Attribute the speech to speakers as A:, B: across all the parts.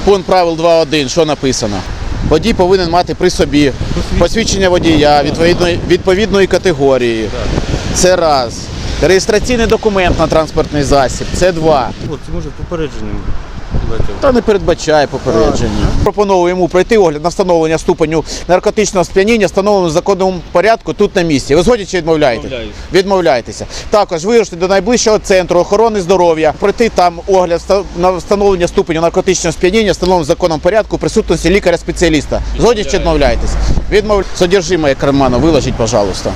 A: Пункт правил 2.1, що написано? Водій повинен мати при собі посвідчення водія відповідної категорії. Це раз. Реєстраційний документ на транспортний засіб. Це два.
B: Це може попередженням.
A: Та не передбачає попередження. Пропоную йому пройти огляд на встановлення ступеню наркотичного сп'яніння, встановленого в законному порядку тут на місці. Ви згодні чи відмовляєте? Відмовляєтеся. Також вирушити до найближчого центру охорони здоров'я, пройти там огляд на встановлення ступеню наркотичного сп'яніння, встановленого в законному порядку, в присутності лікаря-спеціаліста. Згодні чи відмовляєтесь? Содержимое кармана виложіть, пожалуйста.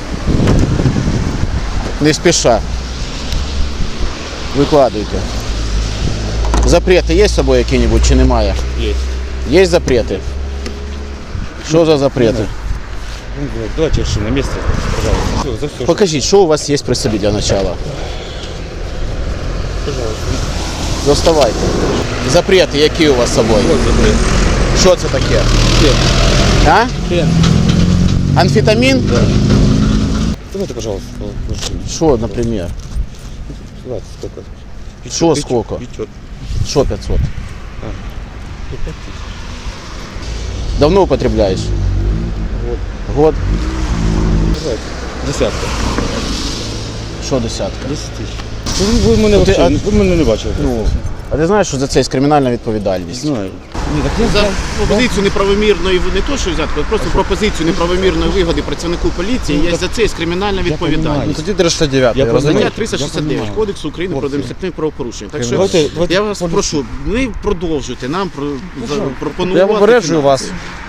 A: Не спеша. Викладуйте. Запреты есть с собой какие-нибудь, чи немає?
B: Есть.
A: Есть запреты? Что за запреты?
B: Давайте решим на месте, пожалуйста. Все, за все.
A: Покажіть, що у вас є при собі для начала.
B: Пожалуйста.
A: Доставайте. Запрети, які у вас з собою?
B: Вот запрет.
A: Що це таке?
B: Фен.
A: А?
B: Фен.
A: Амфетамін?
B: Да. Давайте, пожалуйста, положим.
A: Що, наприклад?
B: Ладно, сколько?
A: Що сколько?
B: 500.
A: Що 500?
B: 500.
A: Давно употребляєш?
B: Вот.
A: Год?
B: Давайте. Десятка.
A: Що десятка?
B: 10 тисяч. Ви мене не бачили.
A: Ну, а ти знаєш, що за це є кримінальна відповідальність?
B: Знаю. Ні, так я
C: За пропозицію неправомірної, не то що взятку, а просто пропозицію неправомірної вигоди працівнику поліції, є за це є кримінальна відповідальність.
D: Тоді 309,
B: Я розумію.
C: Стаття 369 Кодексу України про адміністративні правопорушення. Так що
B: Давайте-
C: я вас прошу, не продовжуйте нам пропонувати.
D: Я попереджую вас.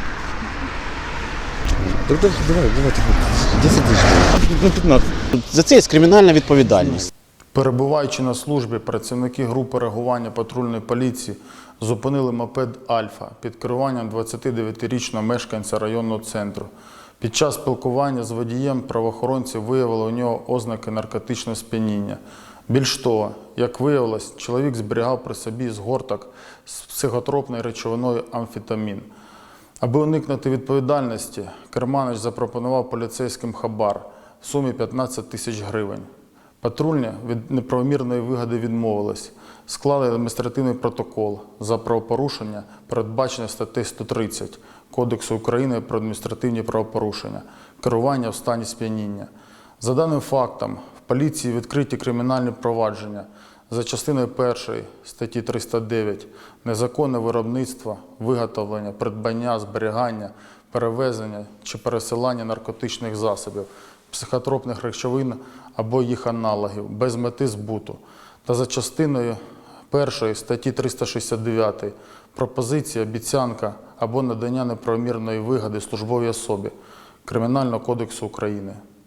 B: Давайте. 10 тисяч. Ну, 15.
A: За це є кримінальна відповідальність.
E: Перебуваючи на службі, працівники групи реагування патрульної поліції зупинили мопед «Альфа» під керуванням 29-річного мешканця районного центру. Під час спілкування з водієм правоохоронці виявили у нього ознаки наркотичного сп'яніння. Більш того, як виявилось, чоловік зберігав при собі згорток з психотропною речовиною амфетамін. Аби уникнути відповідальності, керманич запропонував поліцейським хабар в сумі 15 тисяч гривень. Патрульні від неправомірної вигоди відмовились, склали адміністративний протокол за правопорушення, передбачене статтею 130 Кодексу України про адміністративні правопорушення – керування в стані сп'яніння. За даним фактом, в поліції відкриті кримінальні провадження за частиною 1 статті 309 «Незаконне виробництво, виготовлення, придбання, зберігання, перевезення чи пересилання наркотичних засобів, психотропних речовин або їх аналогів без мети збуту» та за частиною 1 статті 369 «Пропозиція, обіцянка або надання неправомірної вигоди службовій особі» Кримінального кодексу України.